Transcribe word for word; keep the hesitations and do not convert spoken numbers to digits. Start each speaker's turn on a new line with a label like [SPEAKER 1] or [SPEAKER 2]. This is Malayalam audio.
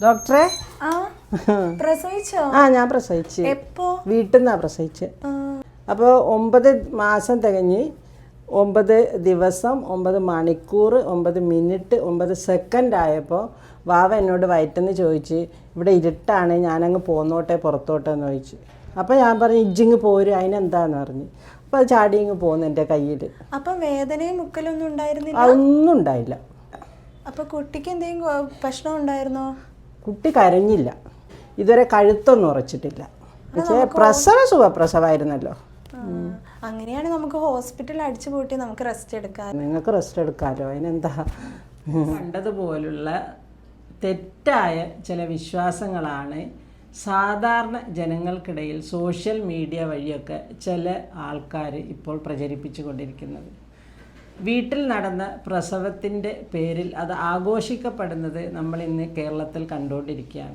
[SPEAKER 1] ഡോക്ടറെ
[SPEAKER 2] ആ പ്രസവിച്ചോ?
[SPEAKER 1] ആ ഞാൻ പ്രസവിച്ച്
[SPEAKER 2] എപ്പോ?
[SPEAKER 1] വീട്ടിൽ നിന്നാണ് പ്രസവിച്ച്. അപ്പോൾ ഒമ്പത് മാസം തികഞ്ഞ് ഒമ്പത് ദിവസം ഒമ്പത് മണിക്കൂർ ഒമ്പത് മിനിറ്റ് ഒമ്പത് സെക്കൻഡ് ആയപ്പോൾ വാവ എന്നോട് വയറ്റെന്ന് ചോദിച്ച് ഇവിടെ ഇരുട്ടാണ് ഞാനങ്ങ് പോന്നോട്ടെ പുറത്തോട്ടെ എന്ന് ചോദിച്ചു. അപ്പോൾ ഞാൻ പറഞ്ഞു ഇജ്ജിങ് പോരും അതിനെന്താന്ന് പറഞ്ഞു. അപ്പോൾ അത് ചാടി ഇങ്ങ് പോന്നു എൻ്റെ കയ്യിൽ.
[SPEAKER 2] അപ്പം വേദനയും മുക്കലൊന്നും ഉണ്ടായിരുന്നില്ല?
[SPEAKER 1] അതൊന്നും ഉണ്ടായില്ല.
[SPEAKER 2] അപ്പോൾ കുട്ടിക്ക് എന്തെങ്കിലും പ്രശ്നം ഉണ്ടായിരുന്നോ?
[SPEAKER 1] കുട്ടി കരഞ്ഞില്ല. ഇതുവരെ കഴുത്തൊന്നും ഉറച്ചിട്ടില്ല. പക്ഷേ പ്രസവ സുഖപ്രസവമായിരുന്നല്ലോ.
[SPEAKER 2] അങ്ങനെയാണ് നമുക്ക് ഹോസ്പിറ്റലിൽ അടിച്ചു പൂട്ടി നമുക്ക് റെസ്റ്റ് എടുക്കാം.
[SPEAKER 1] നിങ്ങൾക്ക് റെസ്റ്റ് എടുക്കാമല്ലോ, അതിനെന്താ. കണ്ടതുപോലുള്ള തെറ്റായ ചില വിശ്വാസങ്ങളാണ് സാധാരണ ജനങ്ങൾക്കിടയിൽ സോഷ്യൽ മീഡിയ വഴിയൊക്കെ ചില ആൾക്കാർ ഇപ്പോൾ പ്രചരിപ്പിച്ചു കൊണ്ടിരിക്കുന്നത്. വീട്ടിൽ നടന്ന പ്രസവത്തിൻ്റെ പേരിൽ അത് ആഘോഷിക്കപ്പെടുന്നത് നമ്മൾ ഇന്ന് കേരളത്തിൽ കണ്ടുകൊണ്ടിരിക്കുകയാണ്.